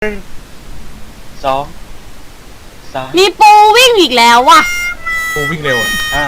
2 3 มีปูวิ่งอีกแล้วว่ะปูวิ่งเร็วอ่ะ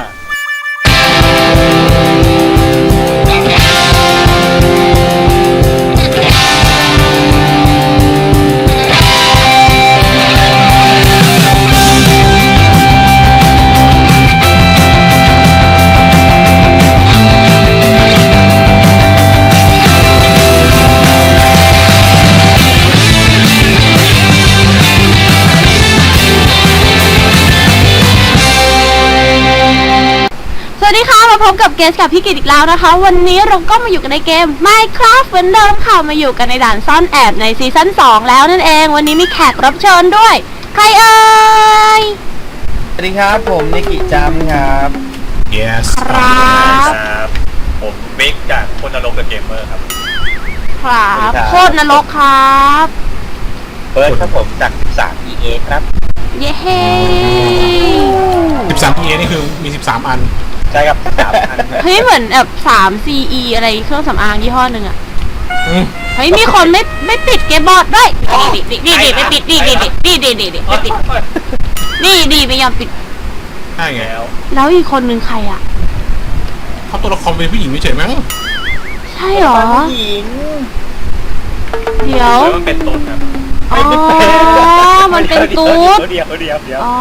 สวัสดีค่ะมาพบกับเกสกับพี่กิตอีกแล้วนะคะวันนี้เราก็มาอยู่กันในเกม Minecraft เหมือนเดิมค่ะมาอยู่กันในด่านซ่อนแอบในซีซั่น2แล้วนั่นเองวันนี้มีแขกรับเชิญด้วยใครเอ่ยสวัสดีครับผมนิกิจัมครับ yes ครับผมบิ๊กจากคนนรกเดอะเกมเมอร์ครับครับโคตรนรกครับเบิร์ดครับผมจาก13 EA ครับเย้ 13 EA นี่คือมี13อันใช่ครับ3 อันเฮ้ยเหมือนแบบ3 CE อะไรเครื่องสำอางยี่ห้อหนึ่งอะอืมเฮ้ยมีคนไม่ปิดเกมบอร์ดด้วยนี่ไม่ปิดนี่ไม่ปิดนี่ไม่ยอมปิดใช่ไงแล้วแล้วอีกคนนึงใครอะเขาตัวละครเป็นผู้หญิงไม่เฉยมั้งใช่หรอผู้หญิงเดี๋ยวมันเป็นตุ๊ดครับอ๋อ มันเป็นตูดเดี๋ยวอ๋อ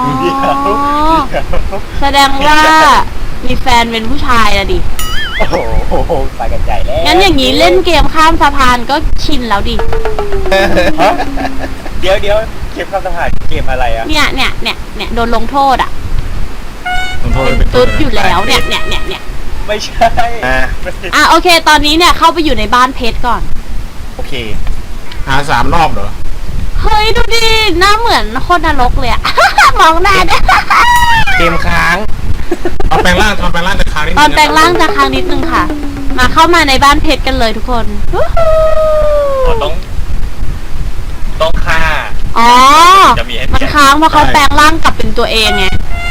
แสดงว่ามีแฟนเป็นผู้ชายอะดิโอ้โหไปกันใหญ่แล้วงั้นอย่างนี้เล่นเกมข้ามสะพานก็ชินแล้วดิฮะเดี๋ยวเกมข้ามสะพานเกมอะไรอ่ะเนี่ยโดนลงโทษอะขอโทษเป็นตุ๊ดอยู่แล้วเนี่ยไม่ใช่อ่ะโอเค ตอนนี้เนี่ยเข้าไปอยู่ในบ้านเพชรก่อนโอเคหา3 รอบเหรอเฮ้ยดูดิ หน้าเหมือนโคตรนรกเลยอะ มองหน้าด้วยเกมค้างตอนแปลงร่างจะค้างนิดนึงตอนแปลงร่างจะค้างนิดนึงค่ะ มาเข้ามาในบ้านเพชรกันเลยทุกคนวู้ฮู้ต้องฆ่าอ๋อจะมีให้มันค้างเพราะเขาแปลงร่างกลับเป็นตัวเองไง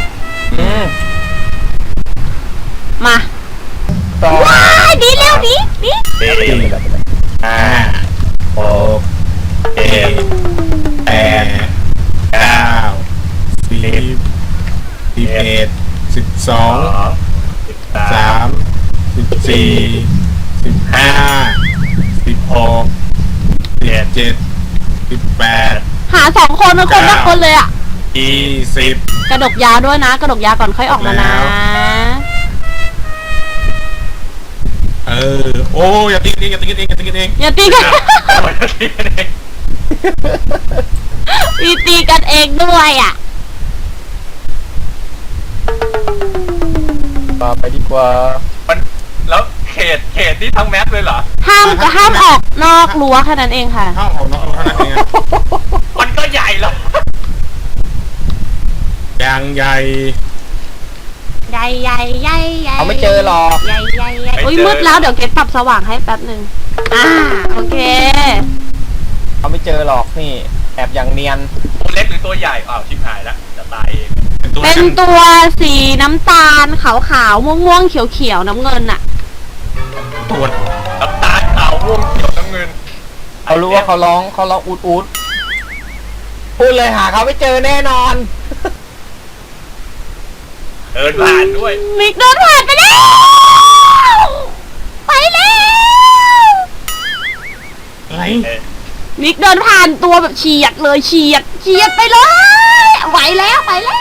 มาต่อว้ายดีเร็วดีเด็ก 5 6 เอ็ม 7 8 9 10 11 12 13 14 15 16 17 18 หา2 คนคนละคนเลยอะ 20 กระดกยาด้วยนะ กระดกยาก่อนค่อยออกมานะโอ้อย่าตีกันเองอย่าตีกัน มีตีกันเองด้วยอ่ะต่อไปดีกว่ามันแล้วเขตที่ทั้งแมปเลยเหรอห้ามออกนอกรั้วแค่นั้นเองค่ะข้าวของน้องเท่านั้นเองมันก็ใหญ่แล้วยังใหญ่ใหญ่เขาไม่เจอหรอกใหญ่โอ้ยมืดแล้วเดี๋ยวเกดปรับสว่างให้แป๊บนึงโอเคเขาไม่เจอหรอกนี่แอบอย่างเนียนตัวเล็กหรือตัวใหญ่อ้าวชิบหายแล้วจะตายเองเป็นตัวสีน้ำตาลขาวๆม่วงๆเขียวๆน้ำเงินอะตัวน้ำตาลขาวม่วงเขียวน้ำเงินเขารู้ว่าเขาร้องอูดพูดเลยหาเขาไม่เจอแน่นอนเดินผ่านด้วยมิกเดินผ่านไปแล้วไปแล้วอะไรมิกเดินผ่านตัวแบบเฉียดเลยเฉียดไปเลยไหวแล้ว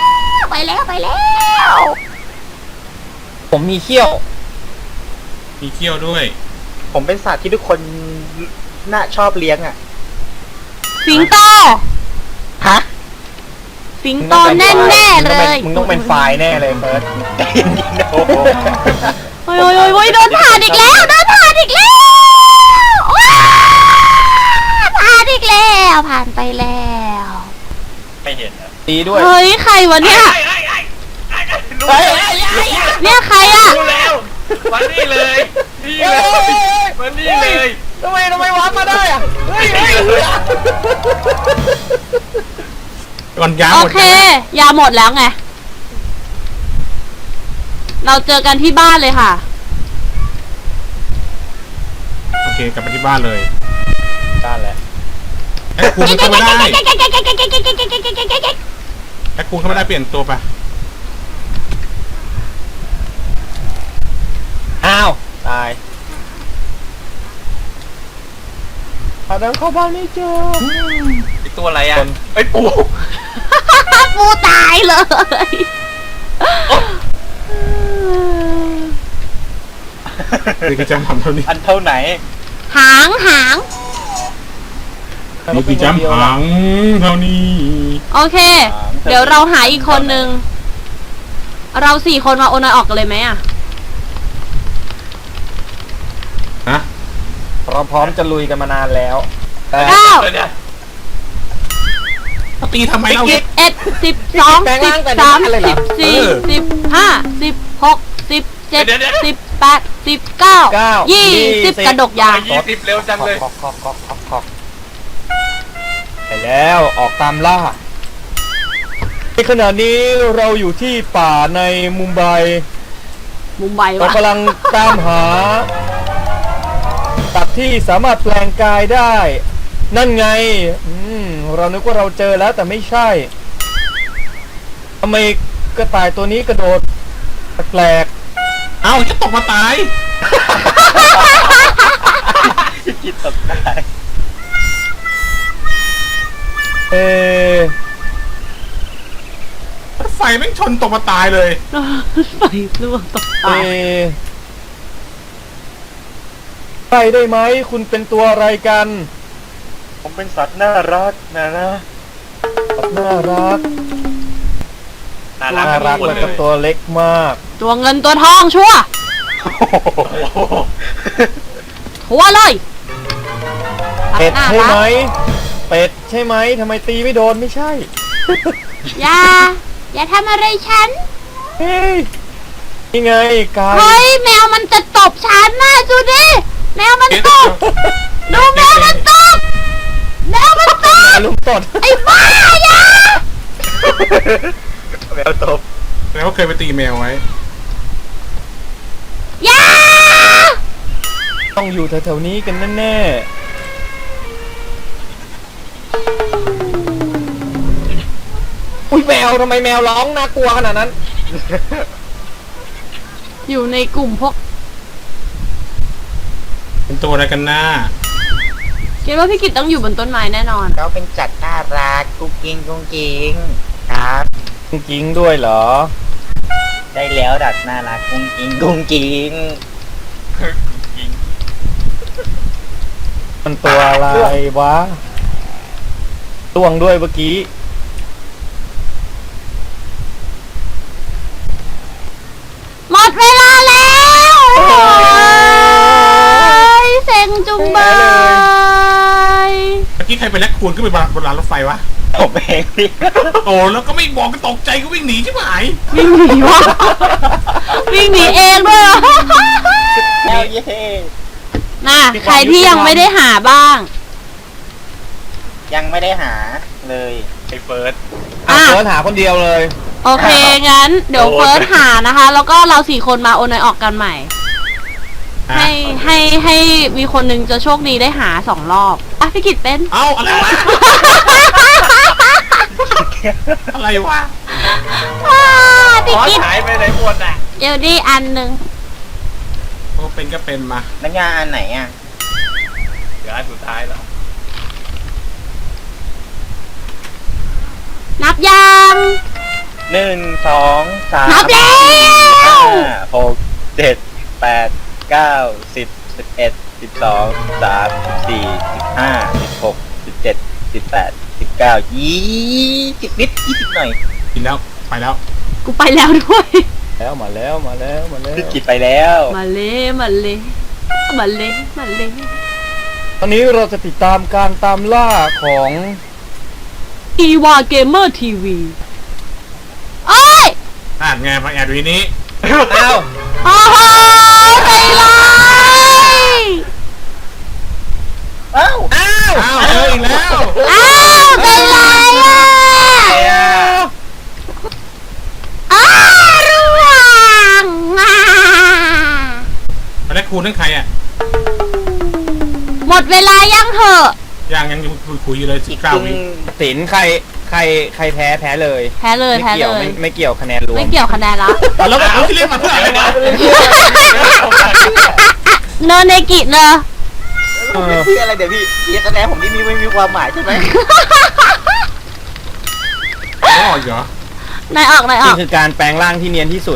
ผมมีเขี้ยวมีเขี้ยวด้วยผมเป็นสัตว์ที่ทุกคนน่าชอบเลี้ยงอ่ะสิงโตฮะสิงโตแน่เลยมึงต้องเป็นไฟล์แน่เลยเฟิร์สใจเย็นๆโอ้โหโอ้ยเดินผ่านอีกแล้วว้าวผ่านอีกแล้วผ่านไปแล้วไม่เห็นนะดีด้วยเฮ้ยใครวะเนี่ยรู้เฮ้ยเนี่ยใครอะรู้แล้วมานี่เลยนี่เลยมานี่เลยทำไมวาร์ปมาได้อ่ะเฮ้ยก่อนยาวโอหมดเค ยาหมดแล้วไง เราเจอกันที่บ้านเลยค่ะโอเคกลับไปที่บ้านเลยได้แล้วไอแอคคูนเข้าไม่ได้แอคคูนเข้าไม่ได้เปลี่ยนตัวไปอ้าวตายหาทางเข้าบ้านไม่เจอไอตัวอะไรอ่ะไอยปูปูตายเลยนี่คือจำทำเท่านี้อันเท่าไหนหางนี่คือจำหังเท่านี้โอเค เดี๋ยวเราหาอีกคนนึง เรา4 คนมาโอนอยออกกันเลยไหมอ่ะฮะเราพร้อมจะลุยกันมานานแล้วแต่ 9 เดี๋ยวตีทำไมเรา 11 12 13 14 15 16 17 18 19 20 กระดกยาง 20 เร็วจังเลยขอกไปแล้วออกตามล่าในขณะนี้เราอยู่ที่ป่าในมุมไบมุมไบเราวะกำลังตามหาสัตว์ที่สามารถแปลงกายได้ นั่นไงเรานึกว่าเราเจอแล้วแต่ไม่ใช่ทำไมกระต่ายตัวนี้กระโดดแปลกเอ้าจะตกมาตายคิดตกได้เออไฟแม่งชนตกมาตายเลยไฟล่วงตกเอตายใช่ได้ไหมคุณเป็นตัวอะไรกันผมเป็นสัตว์น่ารักนะน่ารักน่าน่ารัรักกหมดแล้วเลก็ยตัวเล็กมากตัวเงินตัวทองชัวร์ ชัวร์เลยเป็ดน่าใช่รัไหมกเป็ดใช่ไหมทำไมตีไม่โดนไม่ใช่อย่าทำอะไรฉันเฮ้ยนี่ไงกายเฮ้ยแมวมันจะตบฉันนะดูดิแมวมันตบดูแมวมันตบแมวมันตบลุมตดไอ้บ้าอย่าแมวตบแล้วเคยไปตีแมวไว้อย่าต้องอยู่แถวๆนี้กันแน่ๆอุ้ยแมวทำไมแมวร้องน่ากลัวขนาดนั้นอยู่ในกลุ่มพวกเป็นตัวอะไรกันหน้าคิดว่าพี่กิตต้องอยู่บนต้นไม้แน่นอนเขาเป็นจัดน่ารักกุ๊กกิ๊งกุ๊กกิ๊งครับจริงๆด้วยเหรอได้แล้วดัดน่ารักกุ๊กกิ๊งกุ๊กกิ๊งมันตัวอะไรวะล่วงด้วยเมื่อกี้หมดเวลาแล้วโอ้ยเซ็งจุงเบยเมื่อกี้ใครเป็นแอคคูนขึ้นไปบนรางรถไฟวะผมเองพี่โอ้แล้วก็ไม่บอกก็ตกใจก็วิ่งหนีใช่ไหมวิ่งหนีวะวิ่งหนีเองด้วยเหรอแล้วเย่น่ะใครที่ยังไม่ได้หาบ้างยังไม่ได้หาเลยไอเฟิร์สอ่ะอ่ะเฟิร์สหาคนเดียวเลยโอเค งั้น เดี๋ยวเฟิร์สหานะคะ แล้วก็เรา4 คนมาโอนอยออกกันใหม่ ให้มีคนหนึงจะโชคดีได้หา2 รอบ อ่ะพี่กิตเป็นเอ้าอะไรวะ อะไรวะพี่อ๋อกิตหายไปไหนหมดอ่ะเดี๋ยวดีอันหนึ่งโอ้เป็นก็เป็นมาน้ำยาอันไหนอ่ะเหลืออันสุดท้ายแล้วนับยัง 1 2 3 นับแล้ว 5 6 7 8 9 10 11 12 13 14 15 16 17 18 19 20นิด20หน่อยกินแล้วไปแล้วกูไปแล้วด้วยแล้วมาแล้วพี่กิจไปแล้วมาเลยมาเลยมาเลยมาเลยตอนนี้เราจะติดตามการตามล่าของอีวาเกมเมอร์ทีวีโอ้ยอ่านไงมาแอบดูที่นี้อ้าวโอ้โหใจร้ายอ้าวอ้าวเจออีกแล้วอ้าวใจร้ายอ่ะอ้าวร่วงอ่ะแอคคูนนั่นใครอ่ะหมดเวลายังเหอะยังอยู่คุคุยเลยอีกค 19 รึ่งวิสินใครแพ้เลยแพ้เลยไม่แพ้เกี่เลยไม่เกี่ยวคะแนนรวมไม่เกี่ยวคะแนนละแล้วเอาที่เล่นมาเพื่ออะไรวะเนเนกิเนอะพี่อะไรเดี๋ยวพี่แสดงผมนี่ไม่มีความหมายใช่ไหมอ๋อเหรอนายออกนายอนี่อกคือการแปลงร่างที่เนียนที่สุด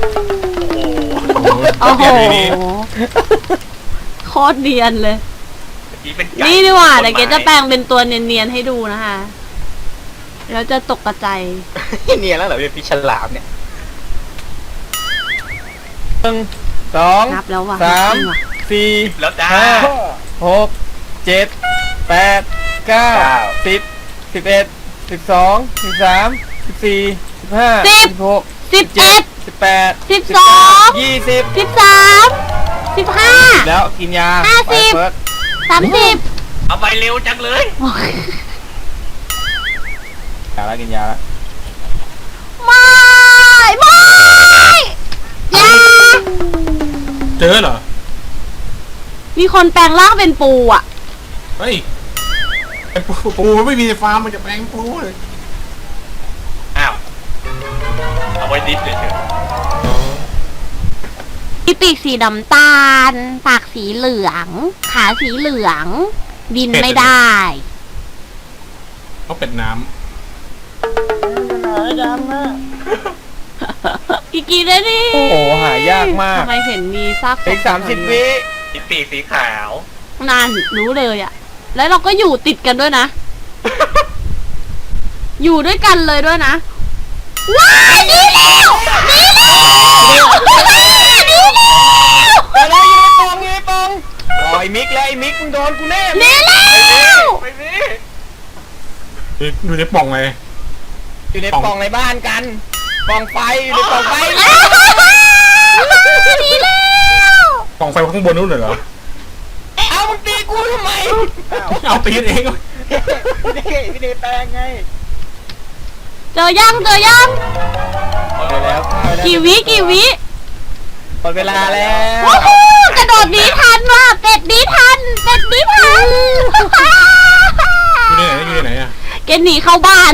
โอ้โหแอดวีนี้โคตรเนียนเลยนี่เป็นไก่นี่ดีกว่าเดี๋ยวเกจะแปลงเป็นตัวเนียนๆให้ดูนะคะแล้วจะตกกระจายเนียนแล้วเหรอพี่ฉลามเนี่ย 1 2 นับแล้วว่ะ 3 จริงว่ะ 4 แล้วจ้า 5 6 7 8 9 10 11 12 13 14 15 16 11 18 12 20 13 15 แล้วกินยา 50 ไปเฟิร์ส 30 เอาไปเร็วจังเลยยาแล้วกินยาแล้วไม่อย่าเจอเหรอมีคนแปลงร่างเป็นปูอ่ะเฮ้ยไอ้ปูมันไม่มีฟาร์มมันจะแปลงปูเลยอ้าวเอาไว้ดิฟเฉยมีปีกสีน้ำตาล ปากสีเหลือง ขาสีเหลือง บินไม่ได้เขาเป็นน้อีกกี่นาทีโอ้โหหายากมากทำไมเห็นมีซากศพอีก30 วิๆมีปีกสีขาวนานรู้เลยอ่ะ แล้วเราก็อยู่ติดกันด้วยนะ อยู่ด้วยกันเลยด้วยนะ ว้ายหนีแล้วหนีแล้วหนีแล้วอะไรอยู่ในปองปล่อยมิกแล้วไอ้มิกมึงโดนกูแน่หนีแล้วไม่มีำอยู่ในปล่องเลยอยู่ในปองในบ้านกันปองไฟอยู่ในปองไฟหนีแล้วปล่องไฟข้างบนนู้นเหรอเอามึงตีกูทำไมเอาตีกันเองพี่เนแปลงไงเจอยังเดี๋ยวแล้วเข้าไปแล้วกี่วิหมดเวลาแล้วโอ้โหกระโดดหนีทันว่ะเป็ดหนีทันอยู่ในไหนอะเกณฑ์หนีเข้าบ้าน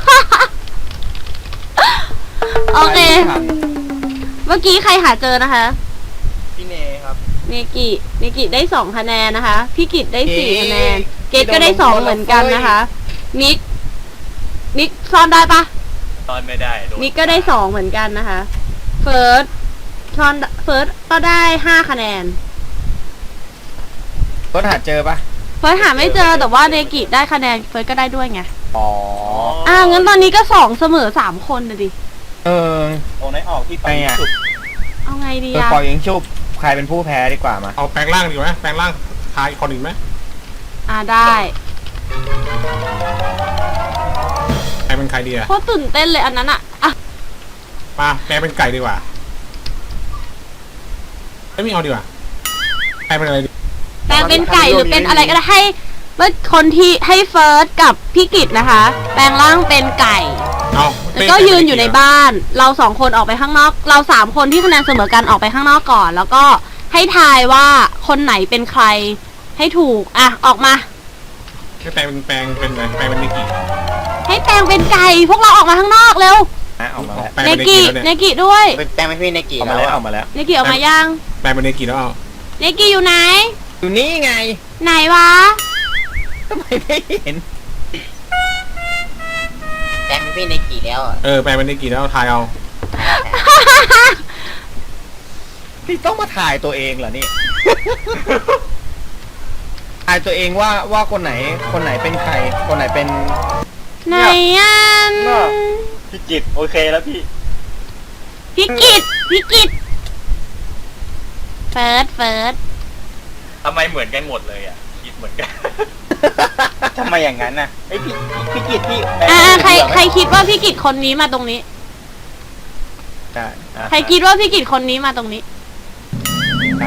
โอเค เมื่อกี้ใครหาเจอนะคะพี่เนครับเนกิได้2 คะแนนนะคะ พี่กิตได้4 คะแนน เกตก็ได้2เหมือนกันนะคะ มิกซ่อนได้ปะตอนไม่ได้โดนมิกก็ได้2เหมือนกันนะคะ เฟิร์สก็ได้5 คะแนนรถหาเจอปะเฟิร์สหาไม่เจอแต่ว่าเนกิได้คะแนนเฟิร์สก็ได้ด้วยไงอ๋องั้นตอนนี้ก็2เสมอ3 คนเลยดิเออโอ้ไหนออกที่ไปไงอะสุดเอาไงดีเอออะปล่อยยิงชุบใครเป็นผู้แพ้ดีกว่ามาเอาแปลงร่างดีกว่าไหมแปลงร่างทายอีกคนอื่นไหมได้ใครเป็นใครดีอะโคตรตื่นเต้นเลยอันนั้นอะมาแปลงเป็นไก่ดีกว่าไม่เอาดีกว่าแปลงเป็นอะไรดีแปลงเป็นไก่หรือเป็นอะไรก็ได้ให้เมื่อคนที่ให้เฟิร์สกับพี่กิตนะคะ แปลงร่างเป็นไก่เอาแล้วก็ยืนอยู่ในบ้าน เรา2 คนออกไปข้างนอก เรา3 คนที่คะแนนเสมอกันออกไปข้างนอกก่อน แล้วก็ให้ทายว่าคนไหนเป็นใครให้ถูกออกมาให้แปลงเป็นอะไรแปลงเป็นนิกิให้แปลงเป็นไก่พวกเราออกมาข้างนอกเร็วนะออกมาแล้วแปลงเนเป็นนิกิกิแล้วเนเนี่ยกิด้วยเป็นแปลงไม่พี่เนกิออกมาแล้วออกมาแล้วเนกิออกมายังแปลงเป็นนิกิแล้วเอาเนกิอยู่ไหนอยู่นี่ไงไหนวะทำไมไม่เห็นแปลงไม่พี่เนกิแล้วอ่ะแปลงเป็นนิกิแล้วทายเอานี่ต้องมาถ่ายตัวเองเหรอนี่ ถ่ายตัวเองว่าคนไหนเป็นใคร คนไหนเป็นไหนอ่ะพี่จิตโอเคแล้วพี่พี่กิตเฟิร์สทำไมเหมือนกันหมดเลยอ่ะคิดเหมือนกันทำไมอย่างนั้นน่ะไอยพี่จิตพี่ใครคิดว่าพี่กิตคนนี้มาตรงนี้ได้อ่ะใครคิดว่าพี่กิตคนนี้มาตรงนี้ใช่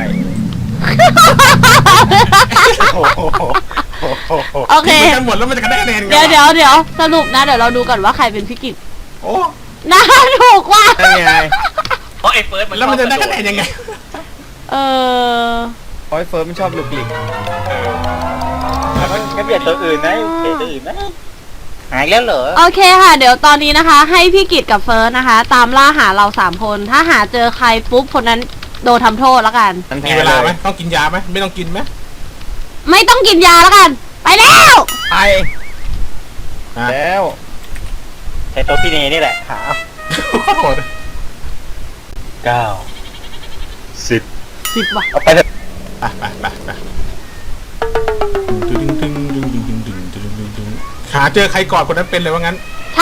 โอ้โหโอเคเหมือนกันหมดแล้วมันจะได้คะแนนไงเดี๋ยวสรุปนะเดี๋ยวเราดูก่อนว่าใครเป็นพี่กิตโอ้น่าถูกว่ะนั่นไงเพราะไอ้เฟิร์สมันแล้วมันจะได้ชอบคะแนนยังไงเออโอ้ยเฟิร์สมันชอบลุกลิกเอองั้นเปลี่ยนตัวอื่นนะเปลี่ยนตัวอื่นนะหายแล้วเหรอโอเคค่ะ เดี๋ยวตอนนี้นะคะ ให้พี่กิตกับเฟิร์สนะคะ ตามล่าหาเรา3 คน ถ้าหาเจอใครปุ๊บคนนั้นโดนทำโทษแล้วกันมันมีแพ้เวเลลาย ไหมต้องกินยาไหมไม่ต้องกินไหมไม่ต้องกินยาแล้วกัน ไปแล้วไปอ่ะแล้วใช้ตัวพี่เนนี่แหละหาขอโทษ 9 10 10 ว่ะเอาไปเถอะไปดึงหาเจอใครก่อนคนนั้นเป็นเลยว่างั้นใช่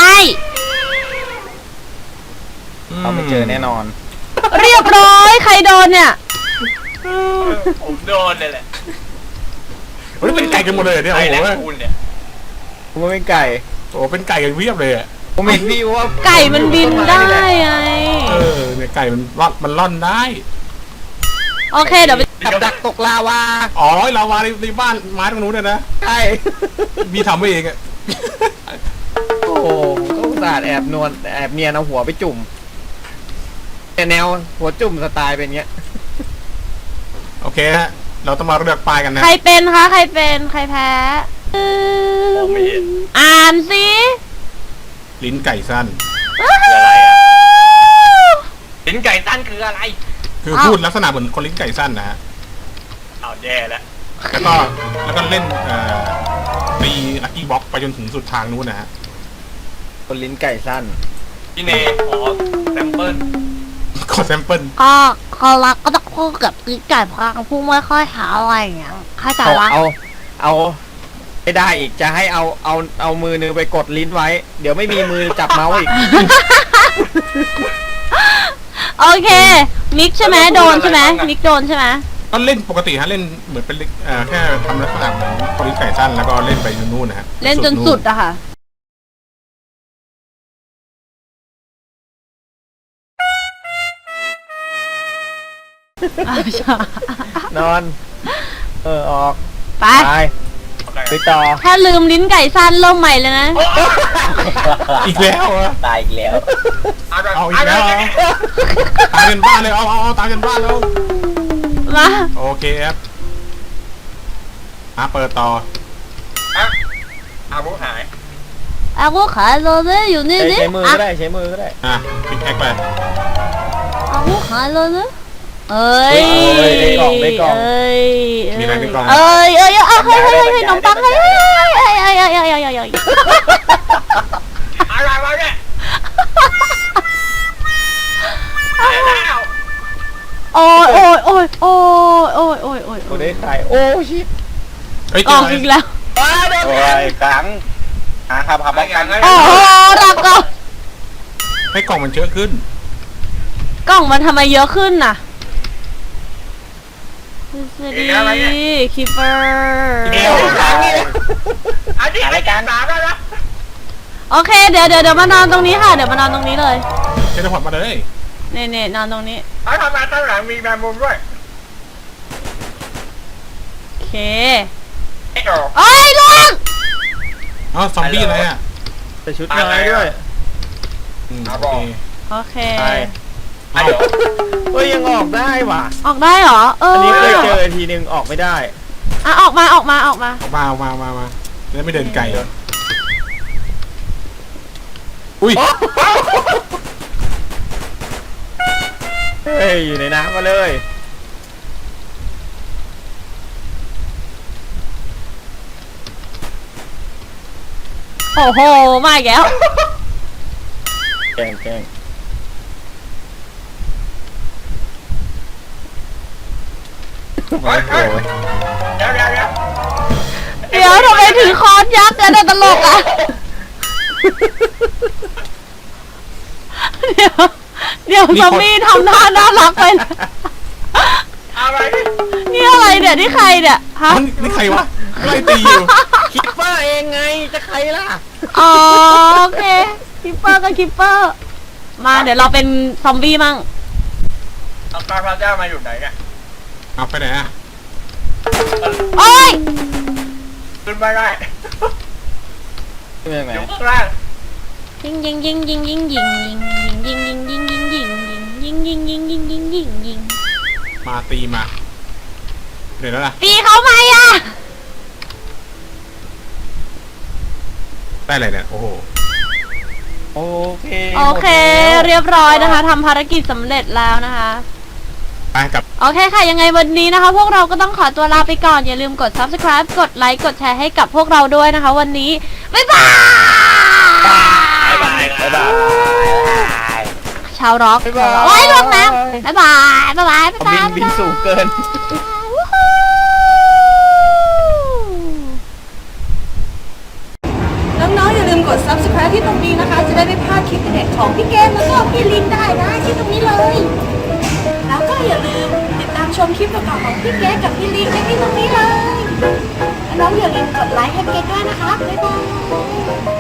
เราไม่เจอแน่นอนเรียบร้อยใครโดนเนี่ยผมโดนเลยแหละวันนี้เป็นไก่กันหมดเลยเนี่ยไอ้โอ้แหโหละคุณเนี่ยผมว่าเป็นไก่โอ้โหเป็นไก่กันเวียบเลยอ่ะผมเห็นพี่ว่าไก่มันบินได้ไงเนี่ยไก่มันล่อนได้โอเคเดี๋ยวไปกับดักตกลาวาอ๋อเรามาในบ้านไม้ตรงนู้นเนี่ยนะใช่มีทำไว้เองอ่ะโอ้โหก็อุตส่าห์แอบนวลแอบเนียนเอาหัวไปจุ่มแต่แนวหัวจุ่มสไตล์เป็นเงี้ยโอเคฮะเราต้องมาเลือกปลายกันนะใครเป็นคะใครเป็นใครแพ้มองไม่เห็นอ่านสิลิ้นไก่สั้นคืออะไรอ่ะลิ้นไก่ตั้นคืออะไรคือพูดลักษณะเหมือนคนลิ้นไก่สั้นนะฮะเอาแย่แล้วแล้วก็เล่นตีลักกี้บ็อกไปจนถึงสุดทางนู้นนะฮะคนลิ้นไก่สั้นพี่เนขอแซมเปิลขอแซมเปิลก็เขารักก็ต้องพูดกับกิ๊กไก่พังพูดไม่ค่อยหาอะไรอย่างเงี้ยเข้าใจวะเอาไม่ได้อีกจะให้เอามือนึงไปกดลิ้นไว้ เดี๋ยวไม่มีมือจับเมาส์อีกโอเคนิกใช่ไหมโดนใช่ไหมนิกโดนใช่ไหมก็เล่นปกติฮะเล่นเหมือนเป็นแค่ทำลักษณะเหมือนคนลิ้นไก่สั้นแล้วก็เล่นไปนู่นนะฮะเล่นจนสุดอะค่ะนอน ออกไปไปต่อถ้าลืมลิ้นไก่สั้นเริ่มใหม่เลยนะอีกแล้วเหรอตายอีกแล้วเอาอีกแล้วเหรอตามกันบ้านเลยเอาตามกันบ้านแล้วมาโอเคครับเปิดต่ออาวุธหายอาวุธขายโรเลยอยู่นี่นี่ใช้มือก็ได้ใช้มือก็ได้พิกแอคไปอาวุธขายโรเลยเอ้ยได้กล่องเอ้ยมีอะไรในกล่องเอ้ยเฮ้ยขนมปังเฮ้ยอะไรมาเนี่ย แล้วโอ้ยกูได้ขายโอ้ชิตเฮ้ยกล่องอีกแล้วโอ้ยครั้งหาครับป้องกันโอ้โหรักก่อนให้กล่องมันเยอะขึ้นกล่องมันทำไมเยอะขึ้นน่ะสวัสดีคิปเปอร์เดียวอันนี้รายการสามแล้วนะโอเคเดี๋ยวมานอนตรงนี้ค่ะเดี๋ยวมานอนตรงนี้เลยเทเลพอร์ตมาเลยเน่นอนตรงนี้เขาทำมาตั้งหลังมีแมงมุมด้วยโอเคไอ้โอ้เอ้ยลงซอมบี้อะไรอ่ะแต่ชุดไม้ด้วยโอเคโอเคไปไอ้โอ้เฮ้ยยังออกได้ว่ะออกได้เหรออันนี้เคยเจอทีนึงออกไม่ได้อ่ะออกมาเอามาแล้วไม่เดินไกลเลยอุ้ยเฮ้ยอยู่ในน้ำมาเลยโอ้โหมาอีกแล้วแกล้งเดี๋ยวทำไมถือค้อนยักษ์แล้วตลกอ่ะเดี๋ยวซอมบี้ทำหน้าน่ารักไปนะอะไรนี่อะไรเนี่ยนี่ใครเนี่ยฮะนี่ใครวะไล่ตีอยู่คิปเปอร์เองไงจะใครล่ะอ๋อโอเคคิปเปอร์ก็คิปเปอร์มาเดี๋ยวเราเป็นซอมบี้มั่งเอาปลาพระเจ้ามาอยู่ไหนเนี่ยเอาไปไหนอ่ะโอ้ยขึ้นไม่ได้เป็นยังไงอยู่ข้างล่างยิงมาตีมาเดี๋ยวแล้วล่ะตีเขาไหมอ่ะได้อะไรเนี่ยโอ้โหโอเคโอเคหมดแล้วเรียบร้อยนะคะทำภารกิจสำเร็จแล้วนะคะไปกับโอเคค่ะ ยังไงวันนี้นะคะ พวกเราก็ต้องขอตัวลาไปก่อน อย่าลืมกด subscribe กดไลค์กดแชร์ให้กับพวกเราด้วยนะคะ วันนี้ บ๊ายบายบ๊ายบายบ๊ายบายชาวร็อกบ๊ายบายโอ้ยลงน้ำบ๊ายบายบ๊ายบายบ๊ายเอาบายบินสูงเกินวู้ฮู้น้องๆอย่าลืมกด subscribe ที่ตรงนี้นะคะ จะได้ไม่พลาดคลิปเด็ดของพี่เกมแล้วก็พี่ลินได้นะที่ตรงนี้เลย แล้วก็อย่าลืมติดตามชมคลิปต่อๆของพี่เกมกับพี่ลินได้ที่ตรงนี้เลย น้องๆอย่าลืมกดไลค์ให้เกมด้วยนะคะ บ๊ายบาย